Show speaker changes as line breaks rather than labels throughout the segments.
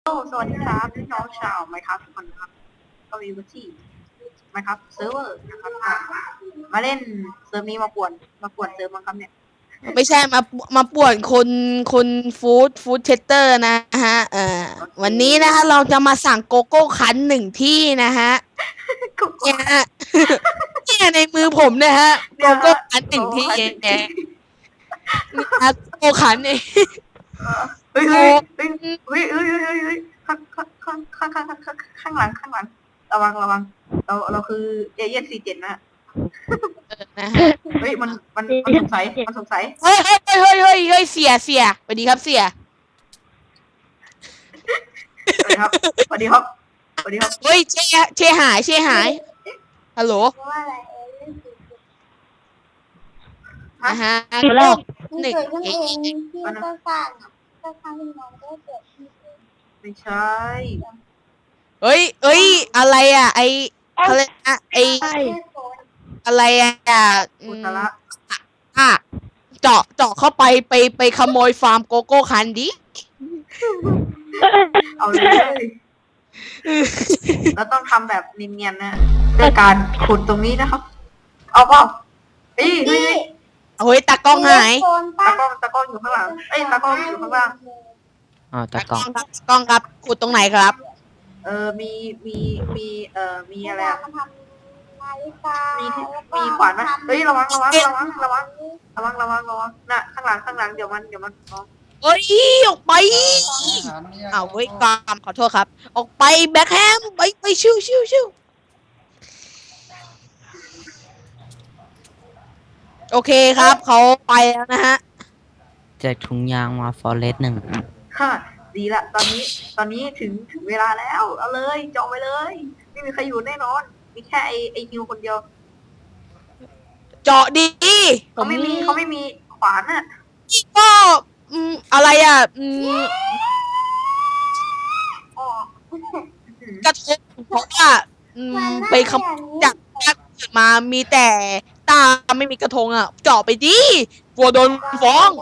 สวัสดีครับพี่น้องชาวไมค์ครับทุกคนครับก็มีวันที่ไมค์ครับเซิร์ฟเวอร์นะครับมาเล่นเซิร์ฟนี้มาป่วนเซิร์ฟมั้งครับเนี่ย
ไม่ใช่มาป่วนคนฟู้ดเชสเตอร์นะฮะวันนี้นะฮะเราจะมาสั่งโกโก้คันหนึ่งที่นะฮะเนี่ยฮะเนี่ยในมือผมนะฮะโกโก้คันหนึ่งที่เนี่ยโกโก้คันเอง
เฮ้ยข้างหลังระวังเราคือเอเย่น47นะ
นะฮะ
เฮ้ยมันสงสัย
เฮ้ยเสียสวัสดีครับเสีย
สวัสดีครับ
เฮ้ยเชหายฮัลโหลนะฮะหนึ่ง
ไม่ใช่
เฮ้ยอะไรอ่ะไออะไรอะไออะไรอ่ะ
อุตระ
เจาะเข้าไปขโมยฟาร์มโกโก้คันดิ
เอาเลยเราต้องทำแบบเนียนๆนะด้วยการขุดตรงนี้นะครับ เอาเปล่าเฮ้ย
ตากล้องหาย
ตากล้องอยู่ข้างหลังตากล้องอยู่ข้างล่าง
ตากล้องครับขุดตรงไหนครับ
มีอะไรมีขวานไหมเฮ้ยระวังน่ะข้างหลังเดี๋ยวมัน
เอ้ยออกไปเฮ้ยกามขอโทษครับออกไปแบ็คแฮมไปชิวโอเคครับเขาไปแล้วนะฮะ
แจกถุงยางมาฟอเรสต์1
ค่ะดีละตอนนี้ถึงเวลาแล้วเอาเลยจองไปเลยไม่มีใครอยู่แน่นอนมีแค่ไอฮิวคนเดียว
เจาะดี
เขาไม่มีขวานอะ
ก็อะไรอ่ะกระทงเพราะว่าไปขโมยจากมามีแต่ตาไม่มีกระทงอ่ะเจาะไปดิกลัวโดนฟ้อง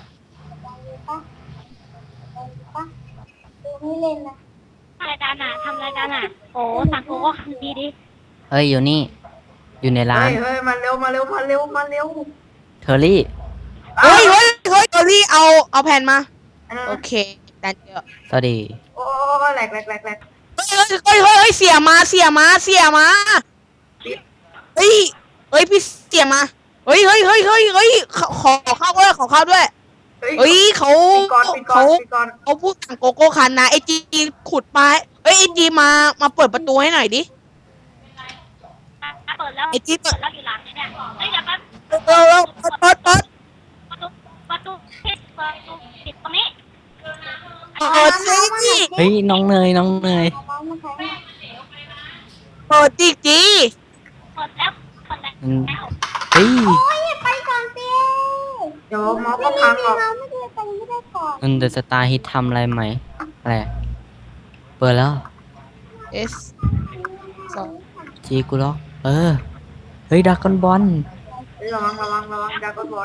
ไม่เล่นนะรายการทำรายการโอ้สั่งโกโก้คันดีดิ
เฮ้ยอยู่นี่อยู่ในร้าน
เฮ้ยมาเร็ว
เทอรี่
เฮ้ยเกอรี่เอาแผ่นมาโอเคดันเยอะ
สวัสดี
โอ้แหลก
เฮ้ยเสียมาเฮ้ยพี่เสียมาเฮ้ยขอข้าวด้วยเฮ้ยเขาพูดสั่งโกโก้คันนะไอจีขุดมาเฮ้ยไอจีมาเปิดประตูให้หน่อยดิ
เปิดแล้ว
ไอจีเปิด
แล้วอยู่หลังเนี่ยเฮ้ยเดี๋ยว
เปิด
ประตูปิดตรงนี้
เฮ้ยน้องเนย
เปิดจี
เปิดแล้ว
เฮ้ย
ไปก่อนสิ
เดี๋ยวมอสก็พังหรอก
มันเดอะสตาร์ฮิตทำอะไรไหมอะไรเปิดแล้ว
S
จีกูล็อกเฮ้ยดักกอนบอล
ระวังดากอนบอล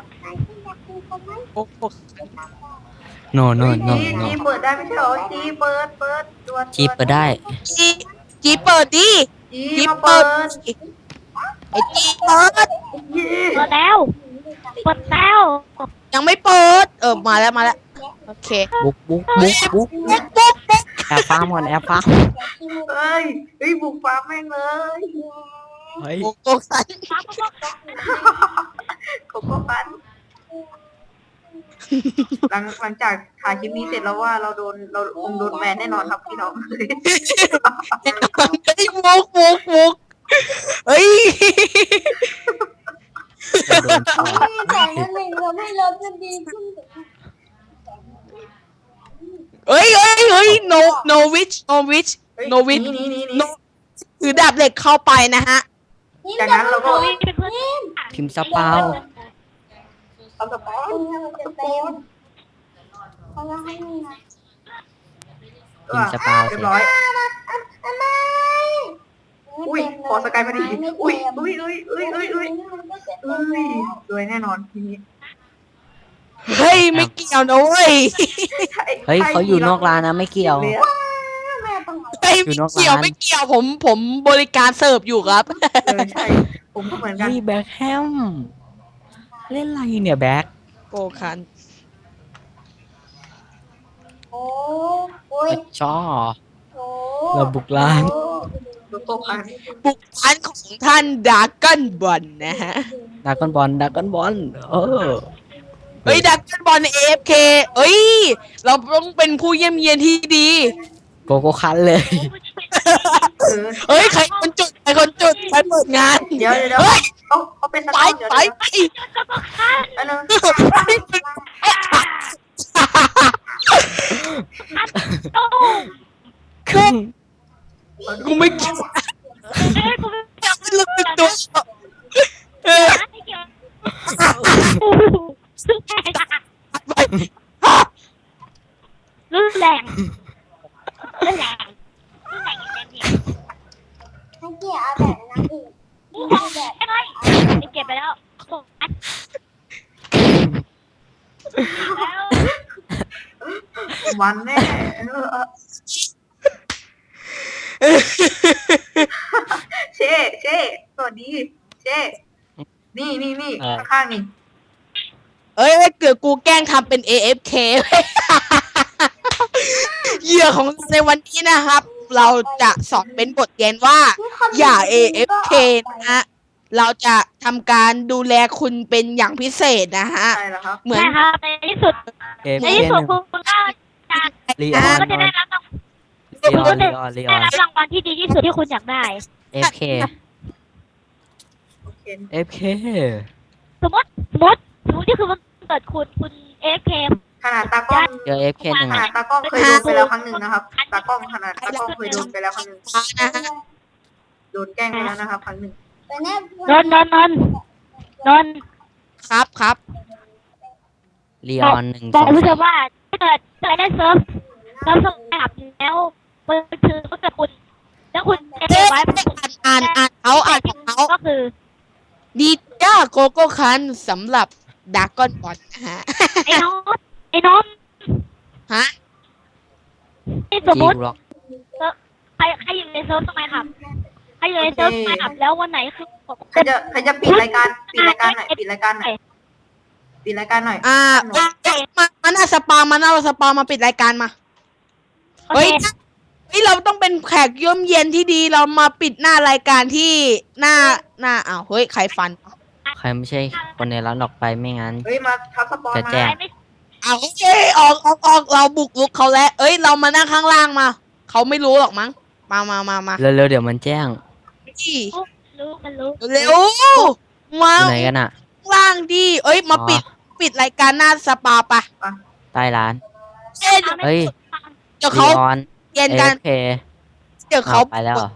โน
จีเปิดได้ไม่ใช่หรอจีเปิด
จีเปิดได้
จีเปิดดิ
จีเปิด
ไอจีเปิด
แล้ว
ยังไม่เปิดมาแล้วโอเค
บุกแอบฟาร์มก่อนแอบฟาร์ม
เฮ้ยบุกฟาร์มแม่งเลย
เฮ้ย
โกโก้คัน
หลังจากถ่ายคลิปนี้เสร็จแล้วว่าเราคงโดนแบนแน่นอนครับพี่น้อง
มุกเฮ้ย
แต่นั่นเองเราไม่ลดจะดีขึ้น
เฮ้ย no witch ถือดาบเหล็กเข้าไปนะฮะ
จากนั้นเราก็
พิมพ์สปาวพิมพ์สปาว
เรียบร้อยอุ้ยขอสกายมาดิอุ้ยรวยแน่นอนทีนี้
เฮ้ยไม่เกี่ยวนะเว้ย
เฮ้ยเขาอยู่นอกร้านนะไม่เกี่ยวอยู่นอก
เกี่ยว
ร้าน
ไม่เกี่ยวผมบริการเสิร์ฟอยู่ครับ
ใช่ผมก็เหมือนกัน
เฮ้ยแบ็คแฮมเล่นอะไรเนี่ยแบ็ค
โกคัน
โอ้โอ้ย
ช่อ
โอ้
เราบุกร้าน
โกโก้คัน
บุกร้านของท่านดาร์กันบอลนะฮะ
ดากอนบอลเออ
เฮ้ยดาร์กันบอล AFK เอ้ย เราต้องเป็นผู้เยี่ยมเยียนที่ดี
โกโก้คันเลย
เฮ้ย ใครคนจุด ใครคนจุด ใครเปิดงาน
เดี๋ยว
เฮ้ย
เขาเป็นส
ไป
ตาร์เดี๋ยว
ไป
เดี๋ยว
ไป
อันนึง
คือกูไม่เกี่ยว
กูไม่
ไม่รู้เป็นตัวเออ
ไม่เกี่ยว
ไป
รุนแรงรุนแรงรุนแรงอย่างเต็มที่
ให้เกียร์เอาแบบนั้นอีก
กูบอกใช่ไหมไปเก็บไปแล้วส่งอัดแล้ว
วันแน่เช่สวัสดีเช่นี่ข้างๆนี่
เอ้ยเกือบกูแกล้งทำเป็น AFK เหยื่อของเราในวันนี้นะครับ เราจะสอนเป็นบทเรียนว่า อย่า AFK นะฮะ เราจะทำการดูแลคุณเป็นอย่างพิเศษนะฮะ
ใช่แล้วครับ
เหมือน
ใช่ครับในที่สุด
เอฟ
ใน
เค
ที่
ห
สุด
นึ่ง
คุณก็จะ
ลีอ
คุ
อ
ณ
น
ก็จะได้รับ
ลีออน
ได้รับรางวัลที่ดีที่สุดที่คุณอยากได้
เอฟเค
โอเค
เอฟเค
สมมติที่คือมันเกิดคุณเอฟเค
ขนาดตากล้อง
เจอเอฟเคหนึ่ง
ขนาดตากล้องเคยโดนไปแล้วครั้งหนึ่งนะครับ ตากล้องเคยโดนไปแล้วครั้งหนึ่ง
นะฮะ
โดนแกล้งไปแล้วนะครับครั้งหนึ่ง
ไปแน่
นน
ครับ
ลีออนหนึ่ง
บ
ส
อ
อก ง
ผู้ชมว่าถ้าเกิดได้เซิร์ฟสมัครแล้วมันคือก็จะคุณแล้วคุณจะเก็บไว้
อ่านของเขา
ก็คือ
ดีจ้าโกโก้คันสำหรับดาร์กอนบอลนะฮะ
ไอ้น้อง
ฮะ
ที่สมม
จี
ติ
ร็อก
ใครอยู่ในเซิร์ฟสมัยครับใครอยู่ในเซิร์ฟสมัยครับแล้ววันไหนคือ
ใครจะปิดรายการหน่อยปิดรายการหน่อย
มันเอาสปามาปิดรายการมา
โอ
เฮ้ย
เค
เราต้องเป็นแขกเยี่ยมเยียนที่ดีเรามาปิดหน้ารายการที่หน้าอ้าวเฮ้ยใครฟัน
ใครไม่ใช่คนในร้านออกไปไม่งั้น
เฮ้ยมาทับสปอน
จะ
มา
แจ้ง
อ้าวเฮ้ยออกเราบุกลุกเขาแล้วเอ้ยเรามานั่งข้างล่างมาเขาไม่รู้หรอกมั้งมา
เร็วๆเดี๋ยวมันแจ้ง
ที่
รู้
เร็วมา
อยู่ไหนกันอ่ะ
ข้างล่างดิเอ้ยมาปิดรายการหน้าสปาปะ
ใต้ร้าน
เอ้ย
เฮ้ย
เดี๋ยว
ลี
เขา
ออน
เย็น
เอ
กัน
ฟเค
เดี๋ยวเขา
ไปแล้วเหรอ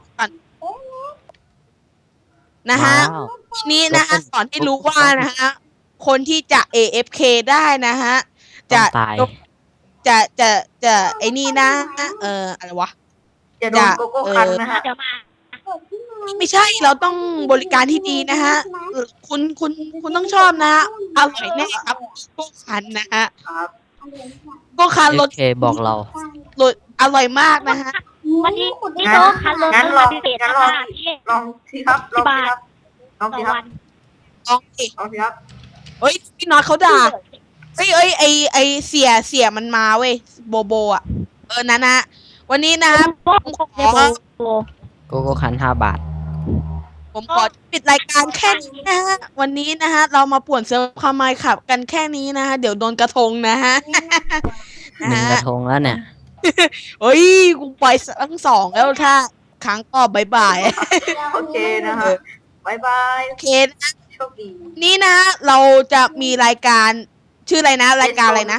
นะฮะ
ว้าว
ทีนี้นะฮะสอนให้รู้ว่านะฮะคนที่จะ AFK ได้นะฮะ
ต้
จะ
องตาย
จะไอ้นี่นะอะไรวะ
อย่าโดนโกโก้คันนะฮะ
เดี๋ยวมา
ไม่ใช่เราต้องบริการที่ดีนะฮะคุณต้องชอบนะฮะอร่อยแน่ครับโกคันนะฮะ
ครับ
โกคัน
เอ
ร
ฟ
ส
เคบอกเรา
อร่อยมากนะฮะ
วันนี้นี่โต๊ะคันลงมาพิเศษนะคะที่
ลองสิครับลองสิครับ
ต่อวัน
ลองสิ
ลองสิครับ
เฮ้ยพี่น็อตเขาด่าเอ้ยไอเสียมันมาเว้ยโบอ่ะนั่นนะวันนี้นะครับ
โบ้โบ้
โกโก้คัน5 บาท
ผมขอปิดรายการแค่นี้นะฮะวันนี้นะฮะเรามาป่วนเซิร์ฟคามายขับกันแค่นี้นะฮะเดี๋ยวโดนกระทงนะฮะ
หนึ่งกระทงแล้วเนี่ย
เฮ้ยกูไปทั้งสองแล้วถ้าครั้งก็บายบาย
โอเคนะฮะบายบาย
โอเคนะ
โชคดี
นี่นะเราจะมีรายการชื่ออะไรนะรายการอะไรนะ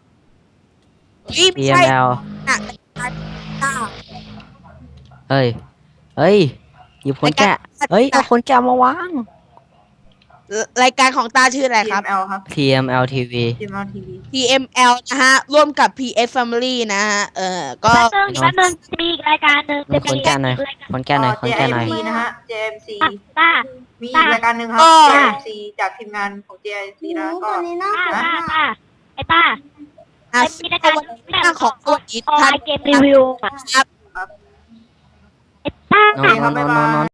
ไม่ใช่
PML
นะ
เฮ้ยหยิบคนแกะเฮ้ยเอาคนแกะมาวาง
รายการของตาชื่ออะไรครับ
TML ครับ
TML TV
TML TV
TML นะฮะร่วมกับ PS Family นะฮะก็
แป๊บนึงมีอีกรายการหนึ่งจะ
คนแกะหน่อยคนแกะหน่อย
JMC นะฮะ JMC
ป้า
มีอีกรายการหนึ่งครับ JMC จากทีมงานของ JMC นะก็
ตัวนี้น่า
ป้าไอ้ป้า
อ่ะ
มีรายการ
วันของตัวอี
ออนไล
ท่าน
น์เกมรีวิวอ่ะ
ครับ
ครับบ๊ายบาย